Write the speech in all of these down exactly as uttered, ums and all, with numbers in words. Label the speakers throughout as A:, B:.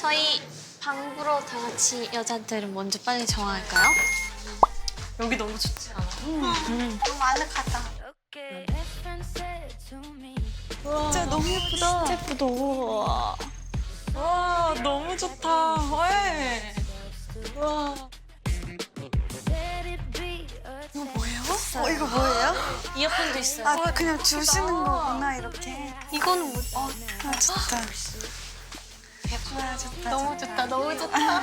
A: 저희 방 보러 다 같이 여자들은 먼저 빨리 정할까요?
B: 여기 너무 좋지 않아?
A: 음. 너무 아늑하다.
B: 진짜 너무 예쁘다.
A: 진짜 예쁘다. 우와.
B: 와, 너무 좋다. 왜? 와.
C: 이거 뭐예요? 어, 이거 뭐예요?
A: 이어폰도 있어요.
C: 아, 그냥 주시는 거구나, 이렇게.
A: 이거는 뭐?
C: 어, 아, 좋다. 아, 좋다.
A: 너무 좋다. 너무 좋다.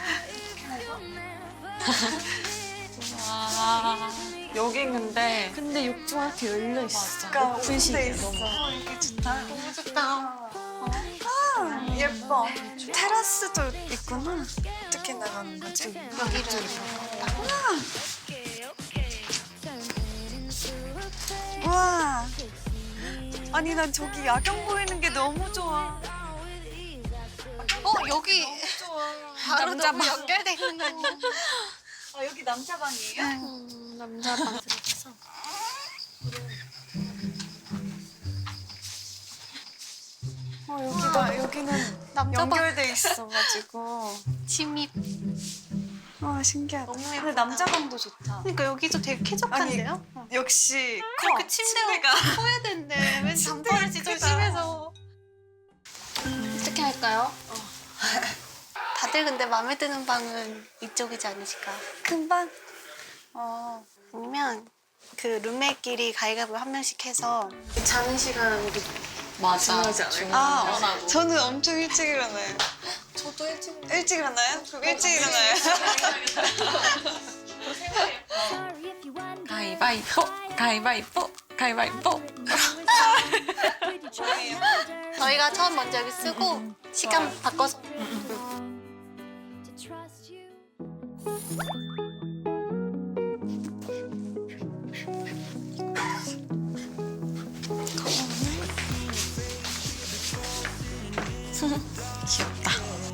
B: 와. 여긴 근데
A: 근데 욕조가 이렇게 열려 있어.
C: 그러니까
A: 오픈
C: 오픈돼
A: 시계
C: 있어.
A: 너무.
C: 어, 이게 좋다.
A: 너무 좋다.
C: 아, 예뻐. 테라스도 있구나. 어떻게 나가는 거지?
A: 여기를
C: 우와. 아니, 난 저기 야경 보이는 게 너무 좋아.
A: 어 여기
C: 좋아.
A: 바로
C: 남자
A: 너무
C: 방.
A: 연결돼 있는 거 아니야?
C: 아, 여기 남자 방이에요?
A: 음, 남자 방 들어가서.
C: 어, 여기다, 여기는
A: 남자 방
C: 연결돼 있어가지고.
A: 침입.
C: 와, 신기하다.
A: 너무
C: 근데
A: 예쁘다.
C: 남자 방도 좋다.
A: 그러니까 여기도 되게 쾌적한데요?
C: 역시 커.
A: 그 침대가 커야 된대. 왠 잠버릇이
C: 크다.
A: 조심해서. 어떻게 할까요? 다들 근데 마음에 드는 방은 이쪽이지 않으실까?
C: 큰 방? 어.
A: 아니면 그 룸메끼리 가위바위보 한 명씩 해서 자는 시간 우리
B: 맞아.
C: 아,
B: 원하고.
C: 저는 엄청 일찍 일어나요.
A: 저도 일찍
C: 일찍 일어나요? 그럼 일찍 일어나요.
B: 가위바위보, 가위바위보, 가위바위보.
A: 저희가 처음 먼저 여기 쓰고 시간 바꿔서
B: 귀엽다.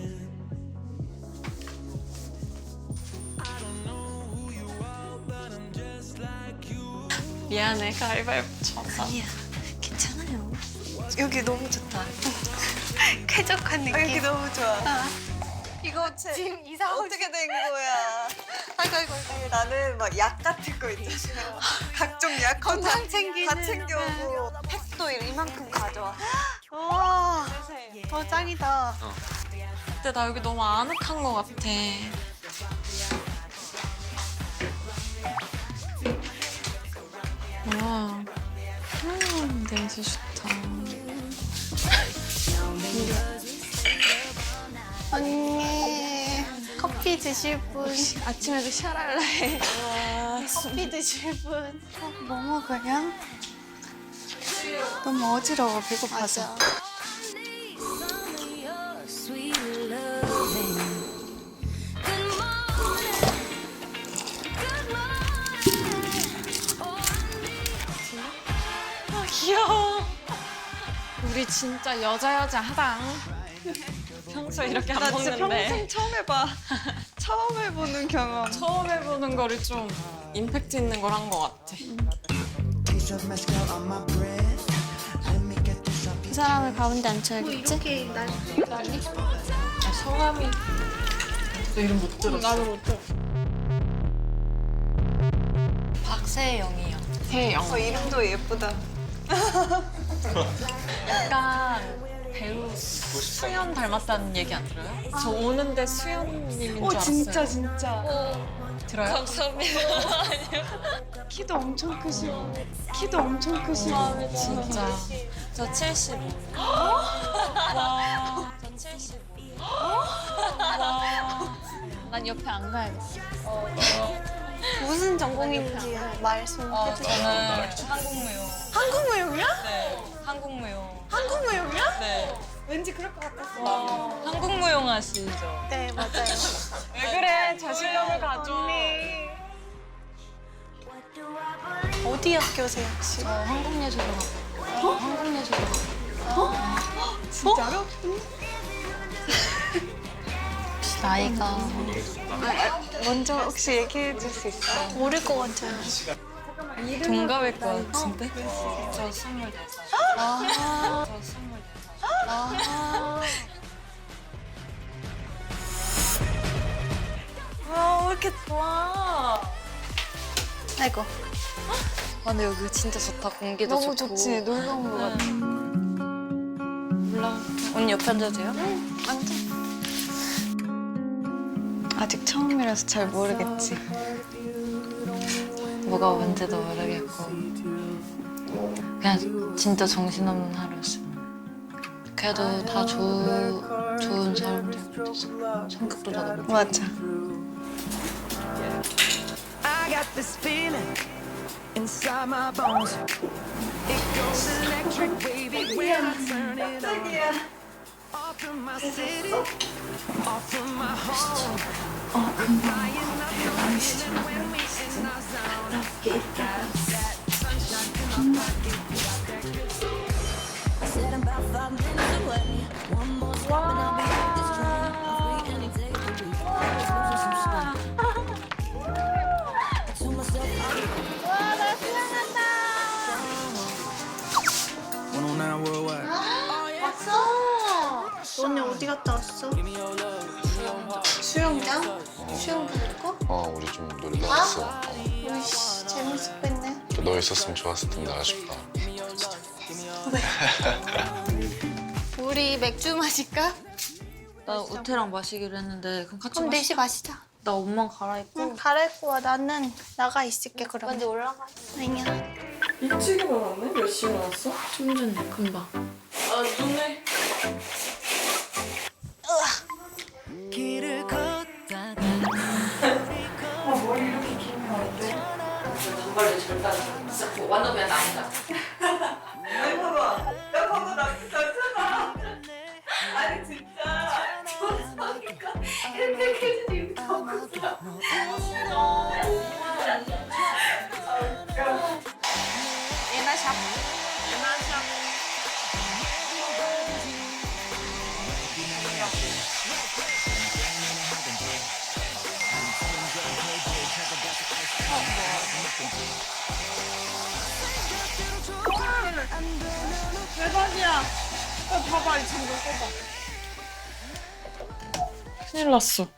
B: 미안해, 가위바위보 져서.
A: 아니야 괜찮아요.
C: 여기 너무 좋다.
A: 쾌적한
C: 아, 여기
A: 느낌.
C: 너무 좋아.
A: 이거 지금 이상하고
C: 어떻게 된 거야?
A: 아이고 아이고
C: 아니, 나는 막 약 같은 거 있잖아요. 각종 약
A: 건강 챙기는.
C: 다 챙겨오고 팩도 이만큼 가져와. 와.
A: 더 짱이다.
B: 근데 나 여기 너무 아늑한 것 같아. 와, 음, 냄새 좋다.
A: 언니 커피 드실 분
B: 아침에도 샤랄라 해.
A: 커피 드실 분
C: 어, 뭐 먹어요? 너무 어지러워, 배고파서.
A: 맞아.
B: 귀여워. 우리 진짜 여자 여자 하당. 평소에 이렇게 안
C: 나 진짜
B: 먹는데
C: 평생 처음 해봐. 처음 해보는 경험.
B: 처음 해보는 거를 좀 임팩트 있는 걸 한 것 같아.
A: 그 사람을 가운데 앉혀야겠지? 이렇게 날
B: 아, 성함이 너 이름 못 들었어? 나도 못 들었어. 박세영이요. 세영.
C: 어, 이름도 예쁘다.
B: 약간 배우 수연 닮았다는 얘기 안 들어요? 저 오는데 수연님인 줄
C: 어,
B: 알았어요.
C: 진짜, 진짜.
B: 들어요? 감사합니다.
C: 키도 엄청 크시고. 키도 엄청 크시고.
B: 진짜. 저 칠십오. 와. 저 칠십오. 와.
A: 난 옆에 안 가야겠어. 무슨 전공인지 말씀해
B: 어,
A: 주세요.
B: 저는 한국무용.
C: 한국무용이야?
B: 네. 한국무용.
C: 한국무용이야?
B: 네.
C: 왠지 그럴 것 같았어.
B: 어, 한국무용 하시죠?
A: 네 맞아요.
B: 왜 그래? 자신감을 가져.
A: 어디 학교세요 혹시?
B: 저 한국예술학원. 어? 한국예술학원.
C: 진짜로?
A: 혹시 나이가
C: 먼저 혹시 얘기해 줄 수 있어?
A: 모를 것 같아요.
B: 동갑일 것 같은데? 저 스물네 살.
A: 아,
B: 저 스물네 살.
A: 아.
C: 이렇게 좋아?
A: 아이고
D: 아, 근데 여기 진짜 좋다. 공기도
A: 너무
D: 좋고.
A: 좋지. 놀러 온 거 같아.
D: 올라. 언니 옆에 앉아도 돼요?
A: 완전.
C: 아직 처음이라서 잘 모르겠지.
D: 뭐가 뭔지도 모르겠고. 그냥 진짜 정신없는 하루였어. 그래도 다 좋은 좋은 사람들이었어. 성격도 다 너무.
C: 맞아.
E: I got this feeling inside my bones. It goes electric, baby, when I turn it on. Off from my city, off from my home. Flying up the feeling when we in our zone. Got that sunshine in my pocket, got that good soul.
F: Said I'm about five minutes away. One more step and I'll be off this train. I'm free any day of the week. Just losing some sleep. I told myself
E: one oh nine worldwide.
A: 너네 어디 갔다 왔어? 수영장? 수영 붙고?
G: 어, 우리 좀 놀러 왔어. 어.
A: 우이씨 재밌을 뺐네.
G: 너 있었으면 좋았을 텐데 아쉽다.
A: 우리 맥주 마실까?
D: 나 우태랑 마시기로 했는데 그럼 같이
A: 그럼
D: 마시.
A: 넷이 마시자.
D: 나 옷만 갈아입고.
A: 응, 갈아입고 와. 나는 나가 있을게 그럼.
D: 먼저 올라가.
A: 아니야.
B: 일찍 일어났네? 몇 시에 일어났어?
D: 좀 전에 금방.
B: 아 눈에
E: 길을 걷다가
D: 단발로 절대 안 돼. 진짜 완전 그냥 남자.
B: 큰일 났어.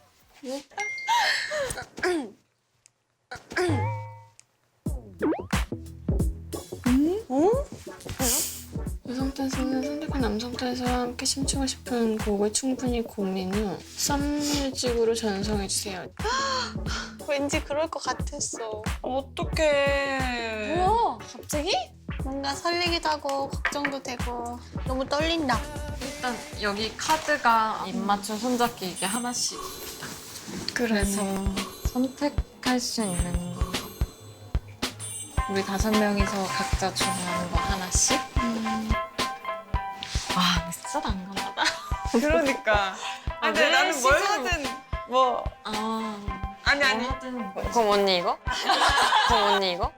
H: 여성 댄서는 선택한 남성 댄서와 함께 심취하고 싶은 곡을 충분히 고민 후 썸뮤직으로 전송해주세요.
A: 왠지 그럴 것 같았어.
B: 어떡해.
A: 뭐야? 갑자기? 뭔가 설레기도 하고 걱정도 되고 너무 떨린다.
D: 일단 여기 카드가 입맞춤 손잡기 이게 하나씩. 그래서 선택할 수 있는 거. 우리 다섯 명이서 각자 중요한 거 하나씩. 음. 와, 근데 진짜 난감하다.
C: 그러니까. 아, 근데
D: 왜
C: 나는 뭘
D: 시선-
C: 하든 뭐
D: 아,
C: 아니 아니.
D: 뭐 하든. 그럼 언니 이거? 그럼 언니 이거?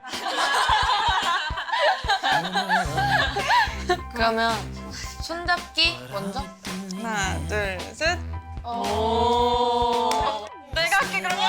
D: 그러면 손잡기 먼저?
C: 하나, 둘, 셋.
D: 오.
B: 내가 할게 그러면.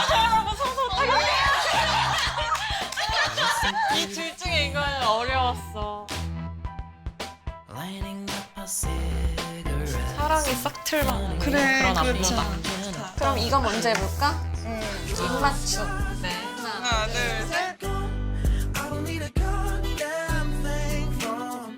B: 이 둘 중에 이거는 어려웠어.
E: lighting up a cigarette.
B: 사랑이 싹 틀만
C: 그래,
B: 그런
C: 그렇죠.
B: 안무다.
A: 그럼 이거 먼저 해볼까?
D: 입맞춤.
B: 네.
C: 하나, 둘, 셋.
E: I don't need a goddamn thing from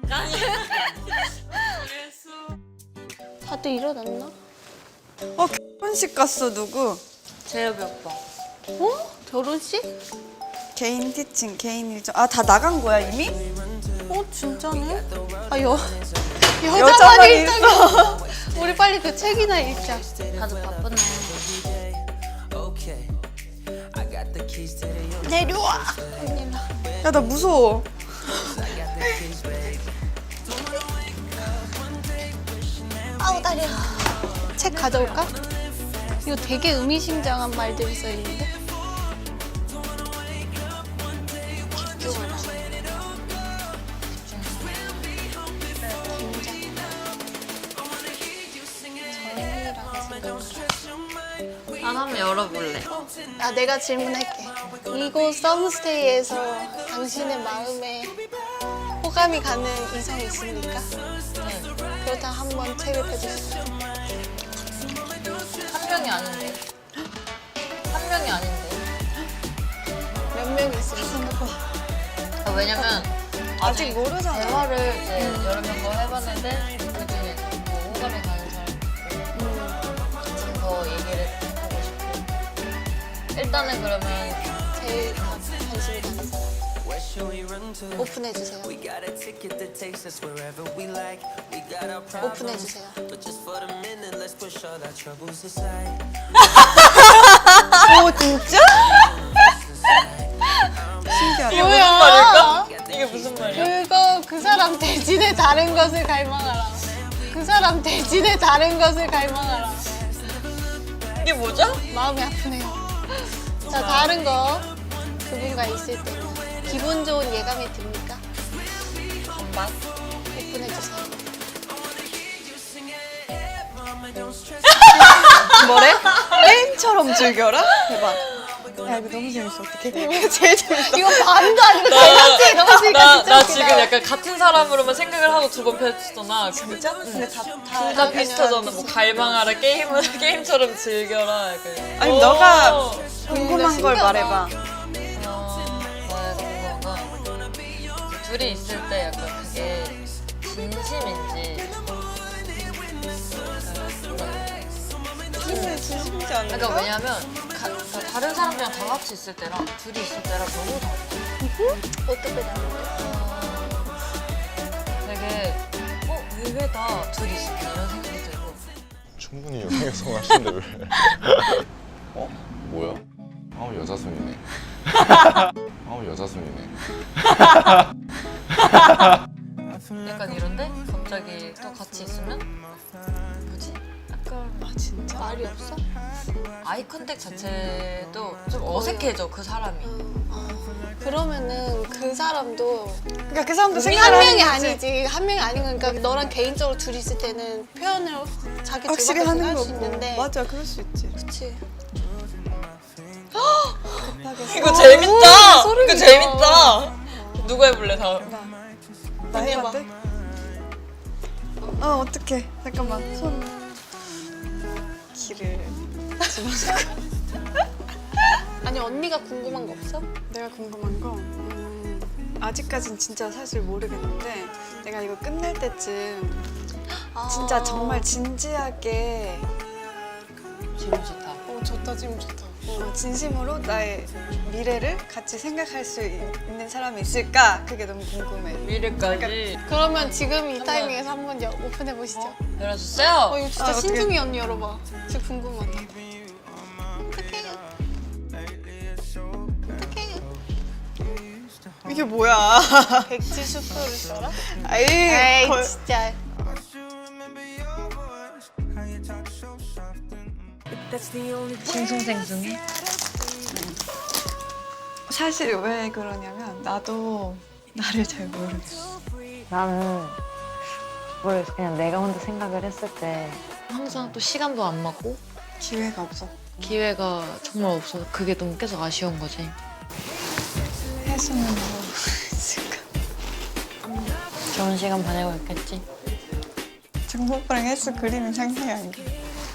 A: 다들 일어났나?
C: 어, 결혼식 갔어 누구?
D: 재엽이 오빠.
A: 어? 결혼식?
C: 개인 티칭, 개인 일정. 아, 다 나간 거야 이미?
A: 어 진짜네? 아 여,
C: 여자만
A: 여자만 일자가 우리 빨리 그 책이나 읽자.
D: 다들 바쁘네.
E: okay. I got the keys to the
A: 내려와. 언니나.
C: 야, 나 무서워.
A: 아우 다려. 책 가져올까? 이거 되게 의미심장한 말들이 써 있는데.
D: 난 한번 열어볼래.
A: 아 내가 질문할게. 이곳 썸스테이에서 당신의 마음에 호감이 가는 이성이 있습니까? 네. 그렇다면 한번 책을 펴주시죠.
D: 한 명이 아닌데. 한 명이 아닌데.
C: 아직 모르잖아.
D: 대화를 이제 여러 명과 해봤는데 그 중에 뭐 호감이 가는 사람 있고 더 얘기를 하고 싶고 일단은 그러면
A: 제일 관- 관심이 가는 사람 오픈해 주세요. 오픈해 주세요.
C: 오 진짜? 신기하다.
A: 뭐야?
B: 이게 무슨 말이야?
A: 그거 그 사람 대신에 다른 것을 갈망하라. 그 사람 대신에 다른 것을 갈망하라.
B: 이게 뭐죠?
A: 마음이 아프네요. 자, 다른 거 그분과 있을 때 기분 좋은 예감이 듭니까?
B: 반반?
A: 오픈해 주세요.
C: 뭐래? 게임처럼 즐겨라? 대박. 야 이거 너무 재밌어. 어떡해? 제일 재밌어.
A: 이거 반도 아니고 밸런스에 넣었으니까
B: 나,
A: 진짜
B: 나
A: 웃기다.
B: 지금 약간 같은 사람으로만 생각을 하고 두 번 펼쳤잖아.
C: 진짜? 근데 다, 다,
B: 둘 다 비슷하잖아. 뭐 갈망하라, 게임을 게임처럼 즐겨라. 약간.
C: 아니
B: 오.
C: 너가 궁금한
A: 음,
C: 걸
A: 신기하다.
C: 말해봐.
B: 어, 나의 궁금한 둘이 있을 때 약간 그게 진심인지
C: 진짜 진심이지 않을까?
B: 그러니까 왜냐면 가, 다- 다른 사람들이랑 다 같이 있을 때랑 둘이 있을 때랑 너무 달라.
A: 어떻게 다른데?
B: 되게 어 의외다 둘이 있을 때 이런 생각이 들고
G: 충분히 여성여성 하시는데 왜? 어? 뭐야? 아 여자순이네. 아 여자순이네.
B: 약간 이런데 갑자기 또 같이 있으면 뭐지? 약간
A: 아 진짜? 말이 없어?
B: 아이 컨택 자체도 좀 어색해져 그 사람이.
A: 아, 그러면은 그 사람도
C: 그러니까 그 사람도
A: 한
C: 생각을
A: 명이
C: 하는 거지.
A: 아니지. 한 명이 아닌 거니까 너랑 개인적으로 둘이 있을 때는 표현을 자기
C: 확실히
A: 들밖에
C: 하는
A: 할수
C: 거고.
A: 있는데
C: 맞아, 그럴 수 있지.
A: 그치.
B: 이거 재밌다.
A: 소름이
B: 이거
A: 돋아.
B: 재밌다. 누가 해볼래 다음?
C: 나
A: 언니
C: 해봐.
A: 해봐.
C: 어 어떡해. 잠깐만 손 길을
A: 아니 언니가 궁금한 거 없어?
C: 내가 궁금한 거 음, 아직까진 진짜 사실 모르겠는데 내가 이거 끝날 때쯤
A: 아.
C: 진짜 정말 진지하게
B: 질문 좋다.
A: 어 좋다 지금 좋다.
C: 어, 진심으로 나의 미래를 같이 생각할 수 있- 있는 사람이 있을까? 그게 너무 궁금해.
B: 미래까지
A: 그러면 지금 이 타이밍에서 한번 여- 오픈해 보시죠.
B: 열어주세요.
A: 어 이거 진짜
C: 아, 어떡해.
A: 신중히 언니 열어봐. 진짜 궁금하다. 어떡해. 어떡해.
C: 이게 뭐야?
A: 백지 수표를 써라?
C: 아이,
A: 에이
C: 걸-
A: 진짜.
D: 싱숭생숭해.
C: 사실 왜 그러냐면 나도 나를 잘 모르겠어.
D: 나는 모르겠어. 그냥 내가 혼자 생각을 했을 때 항상 또 시간도 안 맞고
C: 기회가 없어.
D: 기회가 정말 없어서 그게 너무 계속 아쉬운 거지.
C: 혜수는 뭐 있을까?
D: 좋은 시간 보내고 있겠지.
C: 정보 오빠랑 혜수 그림이 상상이 안 가.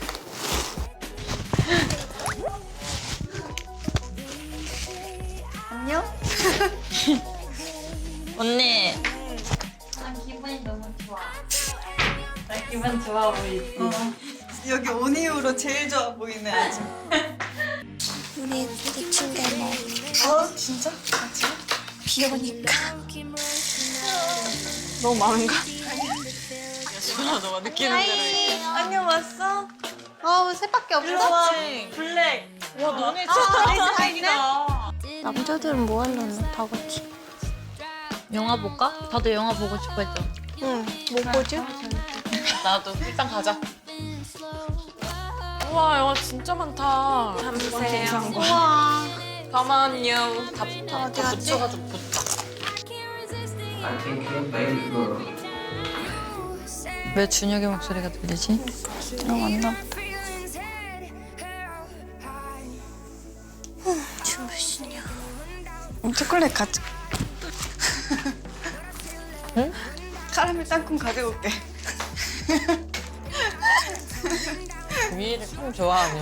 C: 안녕?
B: 언니.
D: 기분 좋아 보이지?
C: 어. 여기 온 이후로 제일 좋아 보이네 아주.
F: 우리 부딪힌 게 뭐
C: 어? 진짜? 같이?
F: 비 오니까
C: 너무 많은가?
B: 주아 너가 느끼는 대로. 해.
C: 안녕 왔어?
A: 어우 셋밖에 없어?
B: 블랙. 와 너네 진짜 다행이다.
A: 남자들은 뭐 하려나 다 같이.
D: 영화 볼까? 다들 영화 보고 싶어 했잖아.
A: 응. 뭐 보지?
B: 나도 일단 가자.
D: 우와 영화 진짜 많다.
B: 감사해요.
A: 우와.
B: 잠깐만요. 다, 다,
A: 어디
B: 다
A: 갔지?
B: 붙여가지고 붙자. 왜 준혁의 목소리가 들리지?
C: 들어왔나 보다.
F: 춤을 추냐
C: 음, 초콜릿 가져.
B: 응?
C: 카라멜 땅콩 가져올게.
B: 위를 참 좋아하네.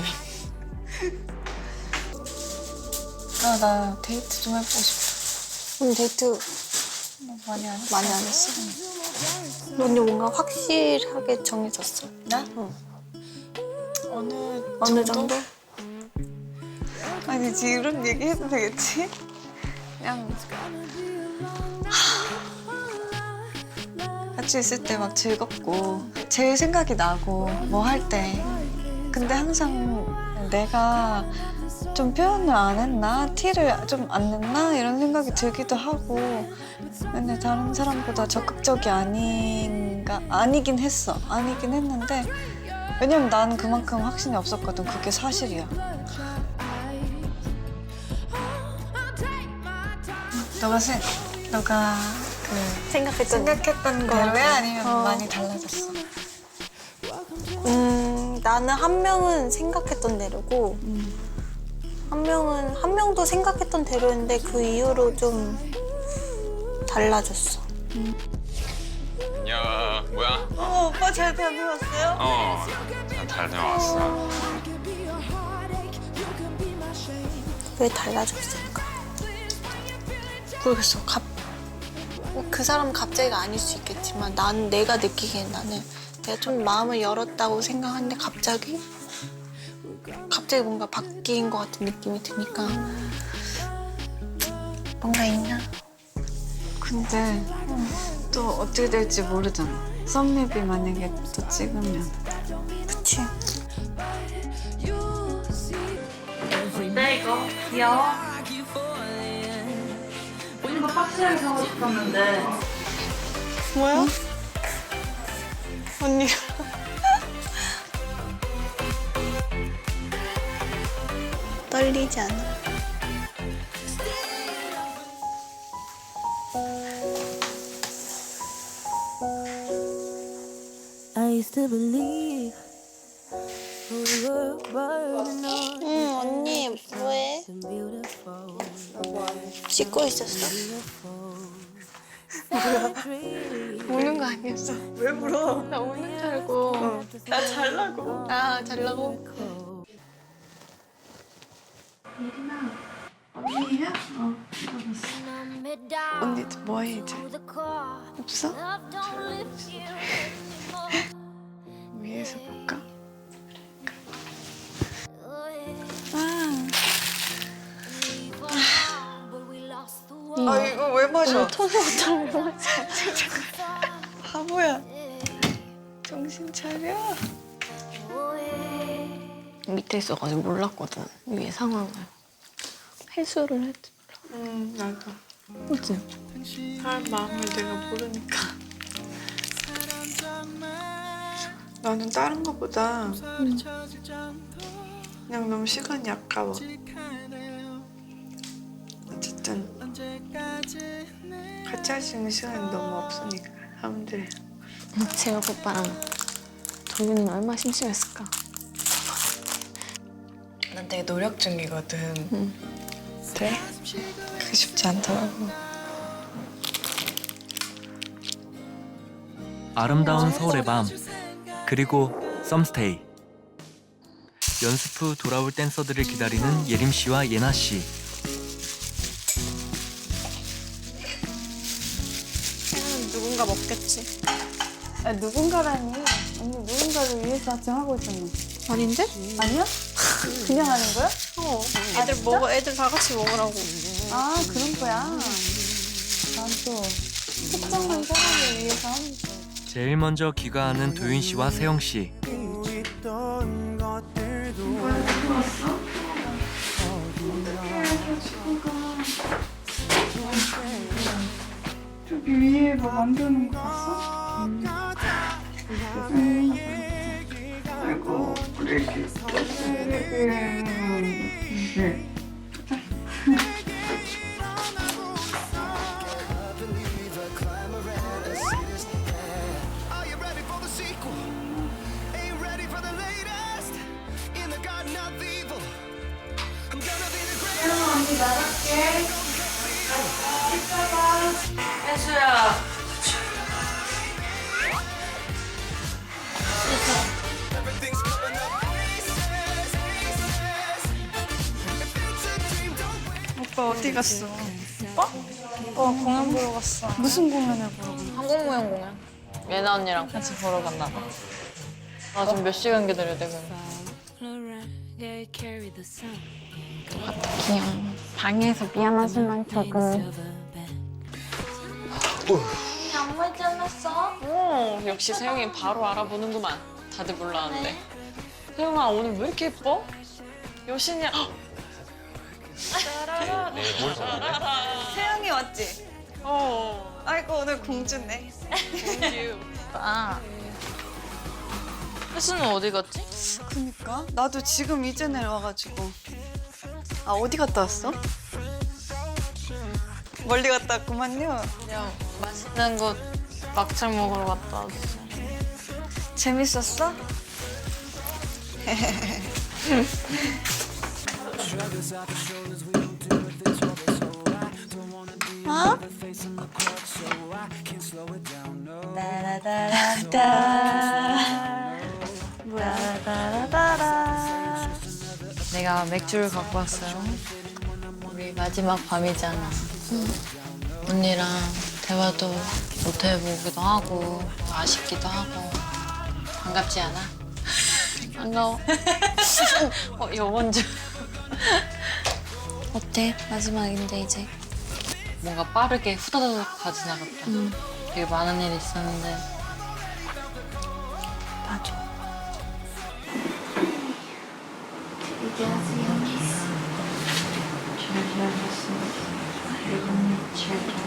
C: 아, 나 데이트 좀 해보고 싶어.
A: 응 데이트
B: 많이 안 했어.
A: 많이 안 했어. 언니 뭔가 확실하게 정해졌어.
C: 나?
A: 응.
C: 어느
A: 어느 정도?
C: 아니 지금 이런 얘기 해도 되겠지? 그냥 같이 있을 때 막 즐겁고 제일 생각이 나고 뭐 할 때 근데 항상 내가 좀 표현을 안 했나? 티를 좀 안 냈나? 이런 생각이 들기도 하고 근데 다른 사람보다 적극적이 아닌가? 아니긴 했어. 아니긴 했는데 왜냐면 나는 그만큼 확신이 없었거든. 그게 사실이야. 너가 생, 너가 그
A: 생각했던
C: 생각했던 대로야? 아니면
A: 어.
C: 많이 달라졌어?
A: 음, 나는 한 명은 생각했던 대로고 한 명은 한 명도 생각했던 대로였는데 그 이후로 좀 달라졌어.
I: 야, 뭐야?
C: 어, 오빠 잘 다녀왔어요?
I: 어, 잘 다녀왔어.
A: 왜 달라졌을까? 모르겠어. 갑, 그 사람은 갑자기가 아닐 수 있겠지만 난 내가 느끼기엔 나는 내가 좀 마음을 열었다고 생각하는데 갑자기 갑자기 뭔가 바뀐 것 같은 느낌이 드니까 뭔가 있나?
C: 근데 또 어떻게 될지 모르잖아. 썸뮤비 만약에 또 찍으면.
A: 그치?
J: 네, 이거 귀여워. 이거 박스를 사고 싶었는데.
A: 뭐야? 언니가 떨리지 않아?
F: I used to believe we were burning on
A: 응, 언니 뭐해?
F: beautiful.
A: 씻고 있었어? 우는 거 아니었어?
C: 왜 울어?
A: 나 우는 줄 알고.
C: 나 잘나고.
A: 아, 잘라고?
C: 언니야? 어. 언니 뭐해 이제? 없어? 위에서 볼까? 아. 아 이거 왜 마셔?
A: 토너부터 왜 마셔?
C: 바보야. 정신 차려.
H: 밑에 있어가지고 몰랐거든. 위에 상황을. 해수를 했지.
C: 응 나도.
H: 그치?
C: 사람 마음을 내가 모르니까. 나는 다른 거보다 그냥 너무 시간이 아까워. 어쨌든 같이 할 수 있는 시간이 너무 없으니까 사람들이.
H: 재혁 오빠랑 정윤이는 얼마나 심심했을까?
C: 난 되게 노력 중이거든.
H: 응.
C: 그래? 그게 쉽지 않더라고.
K: 아름다운 서울의 밤 그리고 썸스테이 연습 후 돌아올 댄서들을 기다리는 예림 씨와 예나 씨.
A: 누군가 먹겠지.
C: 아, 누군가라니. 언니 누군가를 위해서 지금 하고 있었나?
A: 아닌데?
C: 아니야? 그냥 하는 거야?
A: 어. 애들 먹어, 애들 다 같이 먹으라고.
C: 아 그런 거야. 난 또 특정한 사람을 위해서 하는 거야.
K: 제일 먼저 귀가하는 도윤 씨와 세영 씨.
C: 저기 위에 뭐 만드는 거 봤어? 음. 음. 아이고 우리 애기. 네.
J: 혜수야.
C: 오빠 어디 갔어? 오빠?
H: 오빠 공연 보러 갔어.
C: 무슨 공연을 보러 간
B: 항공모형 공연. 예나 언니랑 같이 보러 갔나 봐. 아, 좀 몇 시간 기다려야 돼, 그럼.
H: 귀여워. 방에서 미안하지만 조금.
A: 양말 잘랐어?
B: 오, 역시 세영이 바로 알아보는구만. 다들 몰랐는데. 세영아, 오늘 왜 이렇게 예뻐? 여신이야. 헉!
G: 뭘 좋아해?
C: 태양이 왔지?
B: 어.
C: 아이고 오늘 공주네.
B: 아. 혜수는 어디 갔지?
C: 그니까 나도 지금 이제 내려와가지고. 아 어디 갔다 왔어? 멀리 갔다 왔구만요.
B: 그냥 맛있는 곳 막창 먹으러 갔다 왔어.
C: 재밌었어? 어? 따라따라따 따라따라따라.
B: 내가 맥주를 갖고 왔어요. 우리 마지막 밤이잖아. 언니랑 대화도 못 해보기도 하고 아쉽기도 하고 반갑지 않아? 반가워. 어, 요번 주
H: 어때? 마지막인데 이제.
B: 뭔가 빠르게 후다다닥 다 지나갔다. 되게 많은 일이 있었는데
H: 맞아.
F: 잘 지내셨습니다. 그리고 잘